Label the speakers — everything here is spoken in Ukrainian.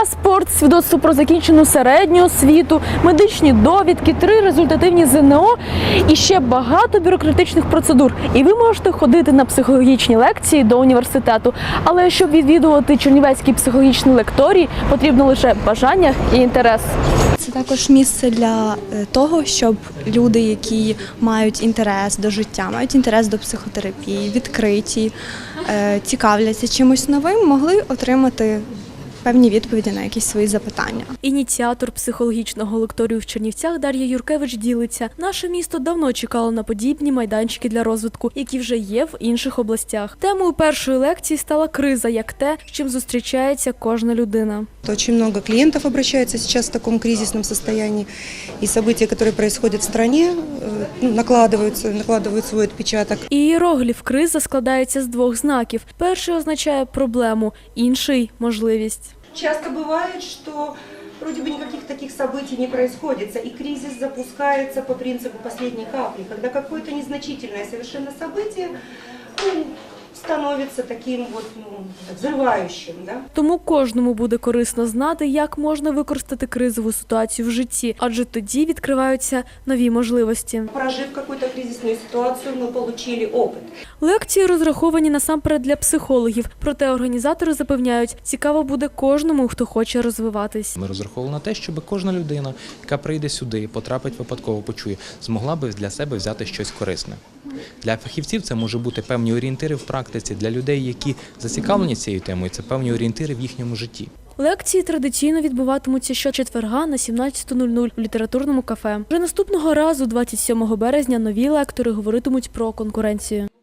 Speaker 1: паспорт, свідоцтво про закінчену середню освіту, медичні довідки, 3 результативні ЗНО і ще багато бюрократичних процедур. І ви можете ходити на психологічні лекції до університету. Але щоб відвідувати Чернівецький психологічний лекторій, потрібно лише бажання і інтерес.
Speaker 2: Це також місце для того, щоб люди, які мають інтерес до життя, мають інтерес до психотерапії, відкриті, цікавляться чимось новим, могли отримати певні відповіді на якісь свої запитання.
Speaker 1: Ініціатор психологічного лекторію в Чернівцях Дар'я Юркевич ділиться. Наше місто давно чекало на подібні майданчики для розвитку, які вже є в інших областях. Темою першої лекції стала криза, як те, з чим зустрічається кожна людина.
Speaker 3: Очень много клиентов обращается сейчас в таком кризисном состоянии, и события, которые происходят в стране, накладывают свой отпечаток.
Speaker 1: Ієрогліф криза складається з 2 знаків. Перший означає проблему, інший – можливість.
Speaker 4: Часто бывает, что вроде бы никаких таких событий не происходит, и кризис запускается по принципу последней капли, когда какое-то незначительное совершенно событие становится таким вот, взрывающим. Да?
Speaker 1: Тому кожному буде корисно знати, як можна використати кризову ситуацію в житті, адже тоді відкриваються нові можливості.
Speaker 4: Прожив какую-то кризисную ситуацию, мы получили опыт.
Speaker 1: Лекції розраховані насамперед для психологів, проте організатори запевняють, цікаво буде кожному, хто хоче розвиватись.
Speaker 5: Ми розраховували на те, щоб кожна людина, яка прийде сюди, потрапить випадково, почує, змогла би для себе взяти щось корисне. Для фахівців це може бути певні орієнтири в практиці, для людей, які зацікавлені цією темою, це певні орієнтири в їхньому житті.
Speaker 1: Лекції традиційно відбуватимуться щочетверга на 17:00 в літературному кафе. Вже наступного разу, 27 березня, нові лектори говоритимуть про конкуренцію.